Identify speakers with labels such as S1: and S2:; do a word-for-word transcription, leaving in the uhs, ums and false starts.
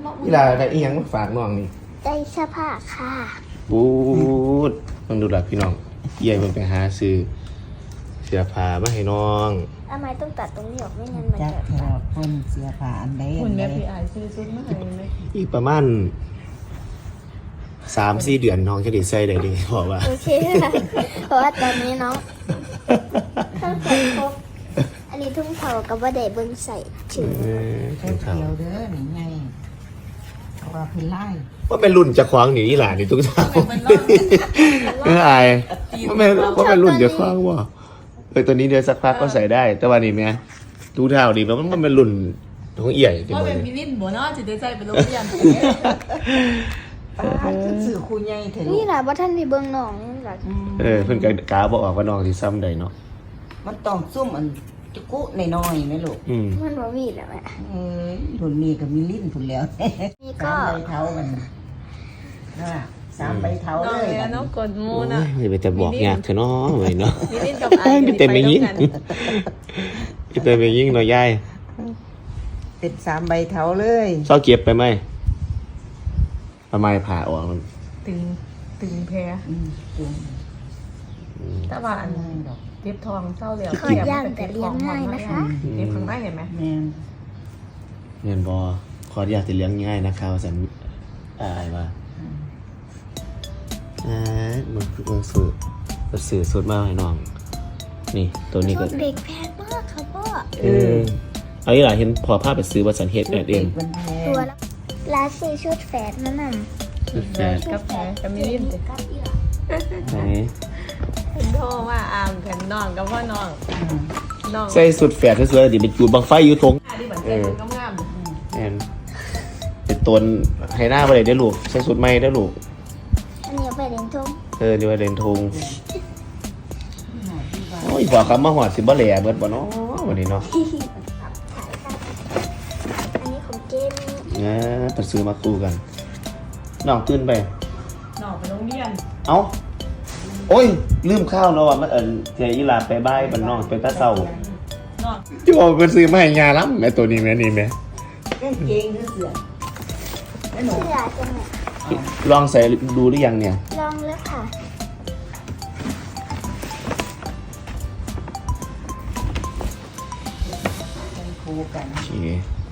S1: นี่ล่ะได้อีหยังมาฝากน้องนี่
S2: ได้เสื้อผ้าค่ะ
S1: บูดต้องดูหลักพี่น้องเยี่ยมไปหาซื้อเสื้อผ้ามาให้น้อง
S2: ทำไมต้องตัดตรงนี้ออกไม่งั้นมัน
S3: จั
S2: จะ
S3: กแถวคนเสียผ่าอันใด
S4: คุ
S3: อั
S4: ณ
S3: นใด
S4: แม่พี่อายซื้อซุปมาให้ไหม
S1: อีกประมาณสามสี่เดือนน้องจะได้ใส่ได้เลยบอกว่า
S2: โอเคค่ะเพราะว่าตอนนี้น้องถ้าใส่ครบอันนี้ทุ่งเผากับว่าได้เบิ้งใส่ถึง
S1: เออ
S3: เที่ยวเด้อนี่ไงเพราะว่าเพิ่นไล่
S1: ว่าเป็นรุ่นจะคว้างหนีอีหล่านี่ทุกท่าเอออายว่าเป็นว่าเป็นรุ่นจะคว้างว่าเออตัวนี้เดี๋ยวสักพักก็ใส่ได้ แต่ว่านี่แม่ทุกเท่าดีมันมันเป็นรุ่นของเอี่ยที่
S4: ว่า
S1: มัน
S4: เป็นมินินบัวเนาะจะได้ใจเป็นโรงเรียน
S3: ป้าคือสื่อครูใหญ่เถอะลู
S2: นี่
S3: ก
S2: แหละว่าท่านที่เบิ้งน้องนี่แหละ
S1: เออเพิ่นก็กาบอกออกว่าน้องที่ซ้ำใดเนาะ
S3: มันต้องซุ่มอันจุกุน้อยๆนะลูก
S1: อืม
S2: มันบ่มีแล้วแม่
S3: เอ้ยรุ่นนี้ก็มีลิ้นพุ่นแล้ว
S2: นี่
S3: สา
S2: ก็
S3: มใบเท้ามันนั่นล่ะสามใบเท้า
S4: น้อง
S3: เลย
S4: เลยเนาะกดมู
S1: โอ้
S4: นะ
S1: ยไม่ไปแต่บอกยากเถอะเนาะไว้เนาะ
S4: มินินกับ
S1: เอ้ยไม่เต็มไปยิ่งไม่เต็มไปยิ่งเนาะยาย
S3: เป็นสามใบเท้าเลย
S1: เศร้าเก็บไปไหมทำไมผ่าออกมัน
S4: ตึงตึงแพ้
S3: อืมจุง
S4: ถ้าว่าอัน
S3: ง่ายดอก
S4: เจ็บทองเศร้าแล้ว
S2: ขอดย่างแต่เลี้ยงง่ายนะคะ
S4: เจ็บข้างในเห็นไหม
S3: แม่น
S1: เงินบอขออยากจะเลี้ยงง่ายนะครับสันอายมาอ่ามันคือมันสื่อมันสื่อสุดมากให้น้อง นี่ตัวนี้ก็
S2: ชุดเด็กแพงมากค่ะพ่อ
S1: เออเอาอีหล่ะเห็นพอภาพไปซื้อวัสันเฮดแอดเอง
S3: มันแพ
S2: ตัว
S3: ง
S2: ละร้านซื้อชุดแฝดนั่นน่ะ
S1: แฟน
S4: กับแพ้กับมินิน
S2: กับอีหลา
S1: ไหน
S4: เป็นโทว่าอามกันน้องกับพ่อน้องน้อง
S1: ใส่สุดแฝดสวยๆดิเป็นจูดบังไฟอยู่ทง
S4: ที่บันเทิงก็งาม
S1: แอนเป็นตนให้หน้าไปเลยได้อลูกใส่สุดไม่ได้อลูก
S2: อันนี้เอาไปเรียนทุ่ง
S1: เออนี่ว่าเรนทงโอ้ยพอคำมาหอดสิบ่แหล่เบิดบ่เนาะวันนี้เนาะ
S2: อันนี้ของเกม
S1: เนี่ยไปซื้อมาคู่กันน้องตื่นไป
S4: น้องไปโรงเรียน
S1: เอ้า โอ้ย ลืมข้าวเนาะว่ามันเอิญเจียอีหลาไปบ้ายบันนอกไปตาเศร้า
S4: น้อง
S1: ที่บอกเป็นซื้อมาให้ยาล้ำไอตัวนี้แม่นี่แม่
S3: เล่นเกงหรือเสือไม่หนู
S2: เสื้อจังเนี่ย
S1: ลองใส่ดูหรือยังเนี่ย
S2: ลองแล้วค่ะ
S3: เป็นครูกัน
S1: โอเค